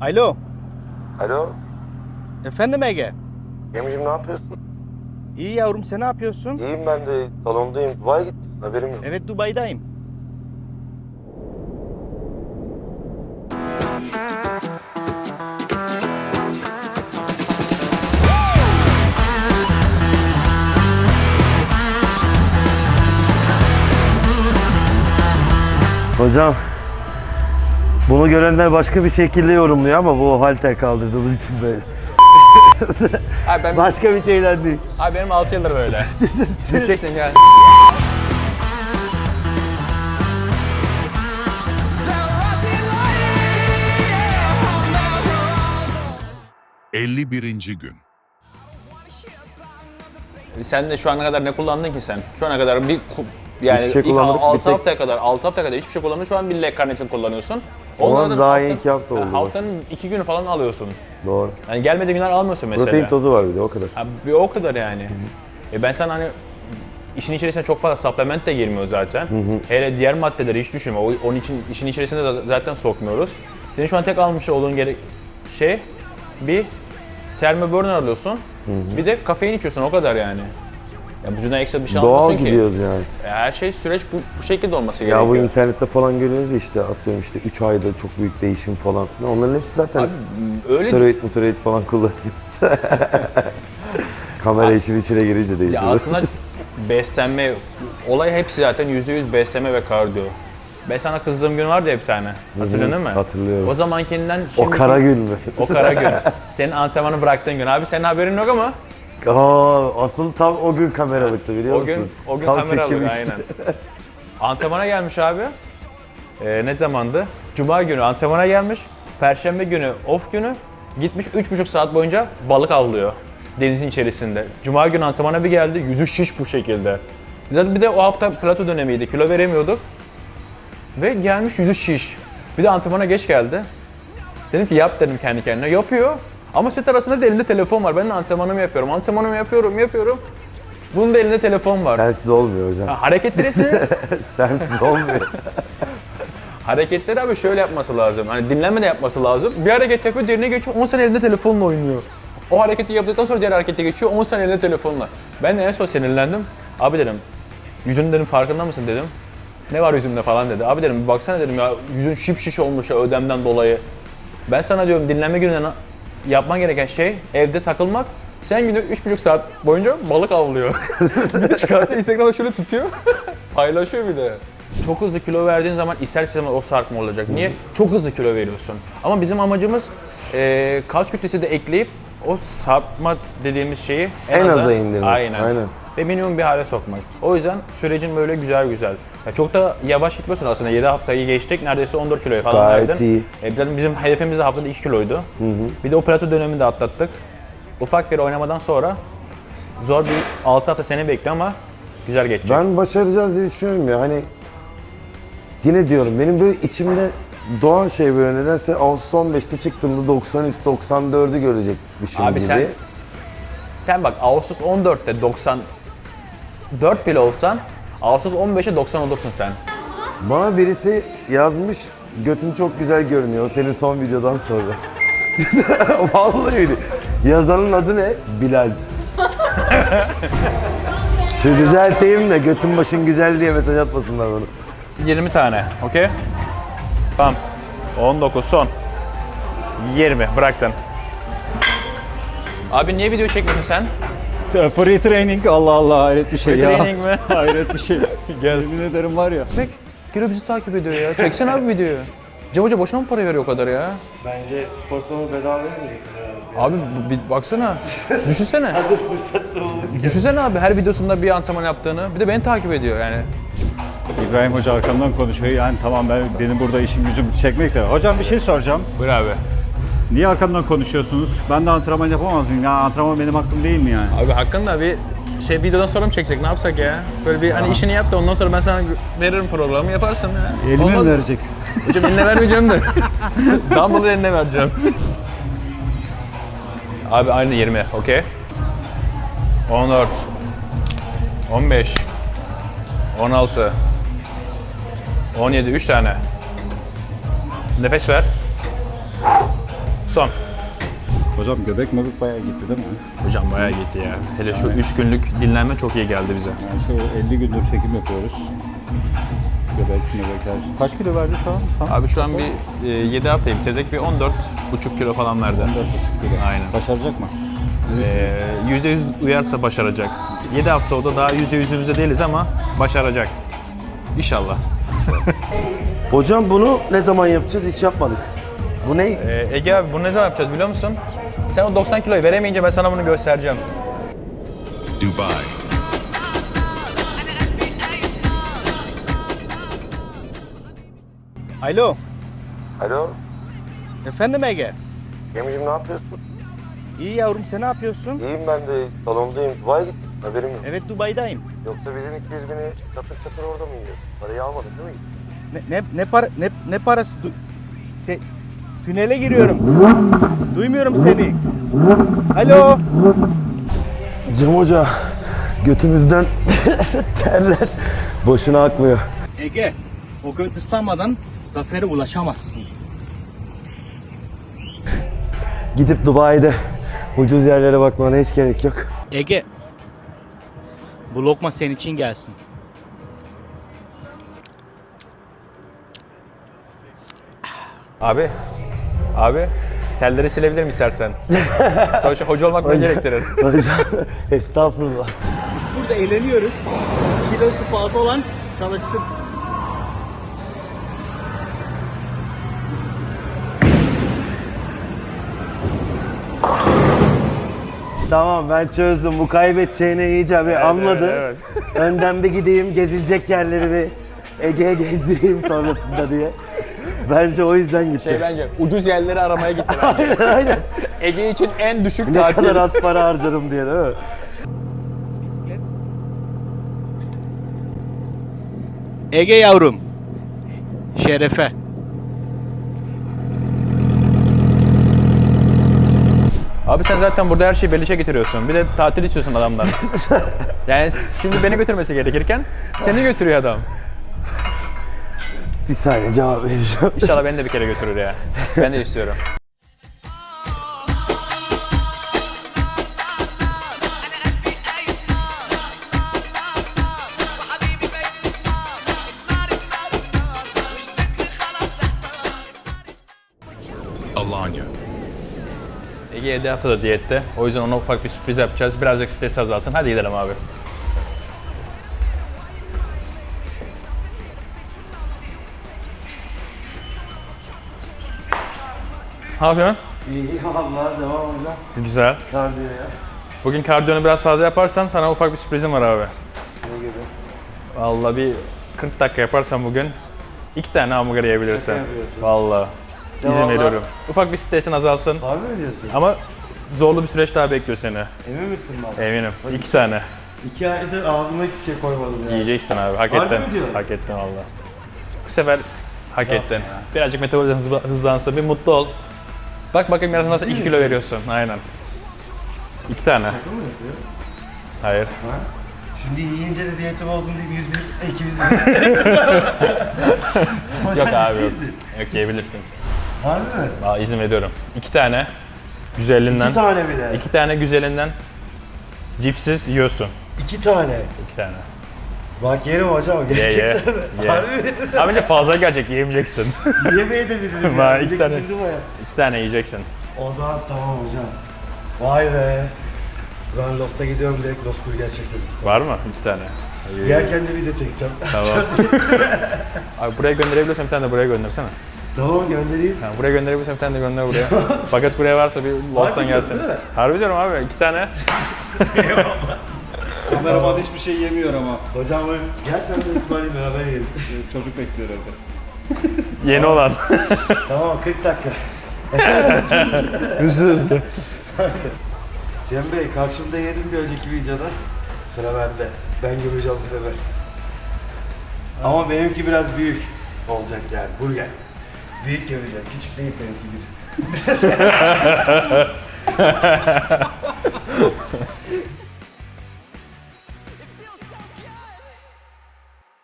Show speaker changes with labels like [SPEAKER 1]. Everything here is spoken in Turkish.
[SPEAKER 1] Alo.
[SPEAKER 2] Alo,
[SPEAKER 1] Efendim Ege.
[SPEAKER 2] Gemiciğim ne yapıyorsun?
[SPEAKER 1] İyi yavrum, sen ne yapıyorsun?
[SPEAKER 2] İyiyim ben de, salondayım. Dubai'ye gitmişsin, haberim yok.
[SPEAKER 1] Evet, Dubai'dayım.
[SPEAKER 3] Hocam, bunu görenler başka bir şekilde yorumluyor ama bu halter kaldırdığımız için böyle.
[SPEAKER 4] Abi,
[SPEAKER 3] Başka bir şeyler değil.
[SPEAKER 4] abi benim 6 yıldır böyle. Düşeceksin gel.
[SPEAKER 5] ...51. gün.
[SPEAKER 4] Sen de şu ana kadar ne kullandın ki sen? Şu ana kadar yani
[SPEAKER 3] Hiçbir şey
[SPEAKER 4] ilk
[SPEAKER 3] kullanmadık,
[SPEAKER 4] 6
[SPEAKER 3] bir tek-
[SPEAKER 4] haftaya kadar hiçbir şey kullandın. Şu an bir leg karnesini kullanıyorsun.
[SPEAKER 3] Olan
[SPEAKER 4] Onlardan
[SPEAKER 3] daha iyi 2 hafta oldu.
[SPEAKER 4] Haftanın 2 günü falan alıyorsun.
[SPEAKER 3] Doğru.
[SPEAKER 4] Yani gelmediği günler almıyorsun mesela.
[SPEAKER 3] Protein tozu var bir de o kadar.
[SPEAKER 4] Abi, bir o kadar yani. Ben sana hani işin içerisine çok fazla supplement de girmiyor zaten. Hele diğer maddeleri hiç düşünme. Onun için işin içerisine de zaten sokmuyoruz. Senin şu an tek almış olduğun bir Thermoburner alıyorsun. Bir de kafein içiyorsun, o kadar yani. Ya vücuduna ekstra bir şey
[SPEAKER 3] Doğal
[SPEAKER 4] almasın ki.
[SPEAKER 3] gidiyoruz yani.
[SPEAKER 4] Her şey süreç bu şekilde olması
[SPEAKER 3] Ya
[SPEAKER 4] gerekiyor.
[SPEAKER 3] bu internette falan görüyoruz ya işte atıyorum işte 3 ayda çok büyük değişim falan filan. Onların hepsi zaten
[SPEAKER 4] öyle
[SPEAKER 3] steroid falan kullanıyor. Kamera işin içine girince
[SPEAKER 4] ya
[SPEAKER 3] değişiyor.
[SPEAKER 4] aslında beslenme, olay hepsi zaten %100 beslenme ve kardiyo. Ben sana kızdığım gün vardı ya bir tane. Hatırlıyorsun değil mi?
[SPEAKER 3] Hatırlıyorum.
[SPEAKER 4] O zamankinden
[SPEAKER 3] O
[SPEAKER 4] şimdi
[SPEAKER 3] kara gün mü?
[SPEAKER 4] o kara gün. Senin antrenmanı bıraktığın gün. Abi senin haberin yok ama
[SPEAKER 3] Asıl tam o gün kameralıktı biliyor musun?
[SPEAKER 4] o gün
[SPEAKER 3] Tam
[SPEAKER 4] kameralık
[SPEAKER 3] çekimi.
[SPEAKER 4] aynen. Antrenmana gelmiş abi. Ne zamandı? Cuma günü antrenmana gelmiş. Perşembe günü off günü. Gitmiş 3,5 saat boyunca balık avlıyor denizin içerisinde. Cuma günü antrenmana bir geldi, yüzü şiş bu şekilde. Zaten bir de o hafta plato dönemiydi, kilo veremiyorduk. Ve gelmiş yüzü şiş. Bir de antrenmana geç geldi. Dedim ki yap dedim kendi kendine. Yapıyor. Ama set arasında da elinde telefon var. Ben de antrenmanımı yapıyorum. Antrenmanımı yapıyorum. Bunun da elinde telefon var.
[SPEAKER 3] Sensiz olmuyor hocam.
[SPEAKER 4] Hareketleri
[SPEAKER 3] Sensiz olmuyor.
[SPEAKER 4] hareketleri abi şöyle yapması lazım. Hani dinlenmeden yapması lazım. Bir hareket yapıyor, diğerine geçiyor. 10 sene elinde telefonla oynuyor. O hareketi yaptıktan sonra diğer harekete geçiyor. 10 sene elinde telefonla. Ben de en son sinirlendim. Abi dedim, yüzünün dedim farkında mısın dedim. Ne var yüzümde falan dedi. Abi dedim bir baksana dedim ya, yüzün şiş olmuş ya ödemden dolayı. Ben sana diyorum dinlenme gününden yapman gereken şey evde takılmak. Sen günde 3,5 saat boyunca balık avlıyor. Bir de çıkartıyor Instagram'da şöyle tutuyor. Paylaşıyor bir de. Çok hızlı kilo verdiğin zaman ister istemez o sarkma olacak. Niye? Çok hızlı kilo veriyorsun. Ama bizim amacımız kas kütlesi de ekleyip o sarkma dediğimiz şeyi
[SPEAKER 3] En aza indirmek.
[SPEAKER 4] Aynen. Ve minimum bir hale sokmak. O yüzden sürecin böyle güzel. Ya çok da yavaş gitmiyorsun aslında. 7 haftayı geçtik. Neredeyse 14 kiloya falan
[SPEAKER 3] Gayet
[SPEAKER 4] verdin.
[SPEAKER 3] iyi.
[SPEAKER 4] Zaten bizim hedefimiz de haftada 2 kiloydu. Bir de o plato dönemini de atlattık. Ufak bir oynamadan sonra zor bir 6 hafta seni bekliyor ama güzel geçecek.
[SPEAKER 3] Ben başaracağız diye düşünüyorum ya hani yine diyorum benim böyle içimde doğan şey böyle nedense Ağustos 15'te çıktığımda 93-94'ü görecekmişim
[SPEAKER 4] Abi
[SPEAKER 3] gibi.
[SPEAKER 4] sen bak Ağustos 14'te 94 bile olsan Ağustos 15'e 90 olursun sen.
[SPEAKER 3] Bana birisi yazmış götün çok güzel görünüyor senin son videodan sonra. Vallahi öyle. Yazanın adı ne? Bilal. Şu düzelteyim de götün başın güzel diye mesaj atmasınlar bana.
[SPEAKER 4] 20 tane, okey? Tamam. 19 son. 20 bıraktın. Abi niye video çekmiyorsun sen?
[SPEAKER 1] Free training, Allah Allah, hayret bir şey
[SPEAKER 4] Free
[SPEAKER 1] ya.
[SPEAKER 4] training mi?
[SPEAKER 1] Hayret bir şey. Yemin ederim var ya.
[SPEAKER 4] Bek, Giro bizi takip ediyor ya. Çeksene abi videoyu. Cem Hoca boşuna mı para veriyor o kadar ya?
[SPEAKER 3] Bence spor salonu bedavaya mı getiriyor?
[SPEAKER 4] Abi bir baksana. Düşünsene. Düşünsene abi her videosunda bir antrenman yaptığını. Bir de beni takip ediyor yani.
[SPEAKER 1] İbrahim Hoca arkamdan konuşuyor. Yani tamam benim burada işim gücüm çekmek de. Hocam bir şey soracağım.
[SPEAKER 4] Buyur abi.
[SPEAKER 1] Niye arkamdan konuşuyorsunuz? Ben de antrenman yapamaz mıyım? Ya antrenman benim hakkım değil mi yani?
[SPEAKER 4] Abi hakkında bir videodan sonra mı çeksek ne yapsak ya? Böyle bir hani işini yap da ondan sonra ben sana veririm programı yaparsın ya.
[SPEAKER 1] Elime
[SPEAKER 4] Olmaz
[SPEAKER 1] mi
[SPEAKER 4] mı?
[SPEAKER 1] vereceksin?
[SPEAKER 4] Hocam eline vermeyeceğim de. Dumbbell'ı eline vereceğim. Abi aynı 20, okey? 14 15 16 17, 3 tane. Nefes ver. Son.
[SPEAKER 1] Hocam göbek möbek bayağı gitti değil mi?
[SPEAKER 4] Hocam bayağı gitti ya. Hele şu 3 günlük dinlenme çok iyi geldi bize.
[SPEAKER 1] Yani şu 50 gündür çekim yapıyoruz. Göbek möbek her. Kaç kilo verdi şu an? Tam
[SPEAKER 4] Abi şu an bir 7 haftayı bitirdik. Bir 14,5 kilo falan verdi.
[SPEAKER 1] 14,5 kilo.
[SPEAKER 4] Aynen.
[SPEAKER 1] Başaracak mı?
[SPEAKER 4] %100 uyarsa başaracak. 7 hafta o da daha %100'ümüzde değiliz ama başaracak. İnşallah.
[SPEAKER 3] Hocam bunu ne zaman yapacağız? Hiç yapmadık. Bu ne?
[SPEAKER 4] Ege abi bunu ne zaman yapacağız biliyor musun? Sen o 90 kiloyu veremeyince ben sana bunu göstereceğim.
[SPEAKER 5] Dubai.
[SPEAKER 6] Alo,
[SPEAKER 2] Alo.
[SPEAKER 6] efendim Ege.
[SPEAKER 2] Gemicim ne yapıyorsun?
[SPEAKER 6] İyi yavrum, sen ne yapıyorsun?
[SPEAKER 2] İyiyim ben de. Salondayım. Dubai'ye gittik. Haberim yok.
[SPEAKER 6] Evet, Dubai'dayım.
[SPEAKER 2] Yoksa bizim 200 bini çatır çatır orada mı yiyoruz? Parayı almadın değil mi?
[SPEAKER 6] Ne parası? Tünele giriyorum. Duymuyorum seni. Alo.
[SPEAKER 3] Cem Hoca, götümüzden terler. Boşuna akmıyor.
[SPEAKER 6] Ege, o göt ıslanmadan zafere ulaşamazsın.
[SPEAKER 3] Gidip Dubai'de ucuz yerlere bakmana hiç gerek yok.
[SPEAKER 6] Ege, bu lokma senin için gelsin.
[SPEAKER 4] Abi telleri silebilirim istersen. Sonuçta hoca olmak bunu gerektirir.
[SPEAKER 3] Hocam, estağfurullah.
[SPEAKER 6] Biz burada eğleniyoruz. Kilosu fazla olan çalışsın.
[SPEAKER 3] Tamam, ben çözdüm. Bu kaybedeceğini iyice bir anladı.
[SPEAKER 4] evet.
[SPEAKER 3] Önden bir gideyim, gezilecek yerleri bir Ege'ye gezdireyim sonrasında diye. Bence o yüzden gitti.
[SPEAKER 4] Bence ucuz yerleri aramaya gitti bence.
[SPEAKER 3] Aynen aynen.
[SPEAKER 4] Ege için en düşük
[SPEAKER 3] Ne
[SPEAKER 4] tatil.
[SPEAKER 3] kadar az para harcarım diye değil mi?
[SPEAKER 6] Bisiklet. Ege yavrum. Şerefe.
[SPEAKER 4] Abi sen zaten burada her şeyi beleşe getiriyorsun. Bir de tatil istiyorsun adamdan. Yani şimdi beni götürmesi gerekirken seni götürüyor adam.
[SPEAKER 3] Bir saniye cevap vereceğim.
[SPEAKER 4] İnşallah beni de bir kere götürür ya. Ben de istiyorum.
[SPEAKER 5] Alanya.
[SPEAKER 4] Ege 7 haftada diyette. O yüzden ona ufak bir sürpriz yapacağız. Birazcık stres azalsın. Hadi gidelim abi. Ne yapıyorsun?
[SPEAKER 3] İyi vallahi devam hocam.
[SPEAKER 4] Güzel.
[SPEAKER 3] Kardiyo ya.
[SPEAKER 4] Bugün kardiyonu biraz fazla yaparsan sana ufak bir sürprizim var abi.
[SPEAKER 3] Ne gibi?
[SPEAKER 4] Vallahi bir 40 dakika yaparsan bugün 2 tane hamburger yiyebilirsin.
[SPEAKER 3] Şaka yapıyorsun.
[SPEAKER 4] Vallahi. İzin
[SPEAKER 3] Devamlı.
[SPEAKER 4] veriyorum. Ufak bir stresin azalsın.
[SPEAKER 3] Harbi mi diyorsun?
[SPEAKER 4] Ama zorlu bir süreç daha bekliyor seni.
[SPEAKER 3] Emin misin baba?
[SPEAKER 4] Eminim. 2 tane.
[SPEAKER 3] 2 aydır ağzıma hiçbir şey koymadım ya.
[SPEAKER 4] Yiyeceksin abi. Hak
[SPEAKER 3] Harbi
[SPEAKER 4] ettin.
[SPEAKER 3] mi diyorsun?
[SPEAKER 4] Hak ettin valla. Bu sefer hak ettin. Birazcık metabolizma hızlansın. Bir mutlu ol. Bak bakayım yarın nasıl 2 kilo veriyorsun. Aynen. 2 tane.
[SPEAKER 3] Şaka mı yapıyor?
[SPEAKER 4] Hayır.
[SPEAKER 3] Şimdi yiyince de diyeti bozdun deyip 101 200
[SPEAKER 4] Yok abi yok. Yok yiyebilirsin.
[SPEAKER 3] Harbi mi?
[SPEAKER 4] Aa, izin veriyorum. 2 tane güzelinden.
[SPEAKER 3] 2 tane bile.
[SPEAKER 4] 2 tane güzelinden cipsiz yiyorsun.
[SPEAKER 3] 2 tane.
[SPEAKER 4] 2 tane.
[SPEAKER 3] Bak yerim hocam
[SPEAKER 4] Ye
[SPEAKER 3] gerçekten mi?
[SPEAKER 4] ye.
[SPEAKER 3] Harbi mi?
[SPEAKER 4] Abi bence fazla gelecek yiyemeyeceksin.
[SPEAKER 3] Yemeye de bilirim
[SPEAKER 4] Var,
[SPEAKER 3] ya.
[SPEAKER 4] iki
[SPEAKER 3] Bir de
[SPEAKER 4] tane.
[SPEAKER 3] küçüldüm o ya.
[SPEAKER 4] 2 tane yiyeceksin.
[SPEAKER 3] O zaman tamam hocam. Vay be. O zaman Lost'a gidiyorum direkt Lost Burger çekiyorum.
[SPEAKER 4] Var mı? 2 tane.
[SPEAKER 3] Yerken de video çekeceğim.
[SPEAKER 4] Tamam. Abi buraya gönderebiliyorsan bir tane de buraya göndersene.
[SPEAKER 3] Tamam göndereyim.
[SPEAKER 4] Yani buraya gönderebiliyorsan bir tane de gönder buraya. Fakat buraya varsa bir Lost'tan
[SPEAKER 3] Harbi
[SPEAKER 4] gelsin.
[SPEAKER 3] diyorsun değil mi?
[SPEAKER 4] Harbi diyorum abi 2 tane.
[SPEAKER 1] Kameraman hiçbir şey yemiyor ama.
[SPEAKER 3] Hocam gel sen de İsmail'le beraber yiyelim.
[SPEAKER 1] Çocuk bekliyor evde.
[SPEAKER 4] Yeni olan.
[SPEAKER 3] Tamam 40 dakika.
[SPEAKER 4] Hızlı.
[SPEAKER 3] Cem Bey karşımda yedim bir önceki videoda. Sıra bende. Ben gömeceğim bu sefer. Ama benimki biraz büyük olacak yani. Burger. Büyük gömeceğim. Küçük değil seninki gibi.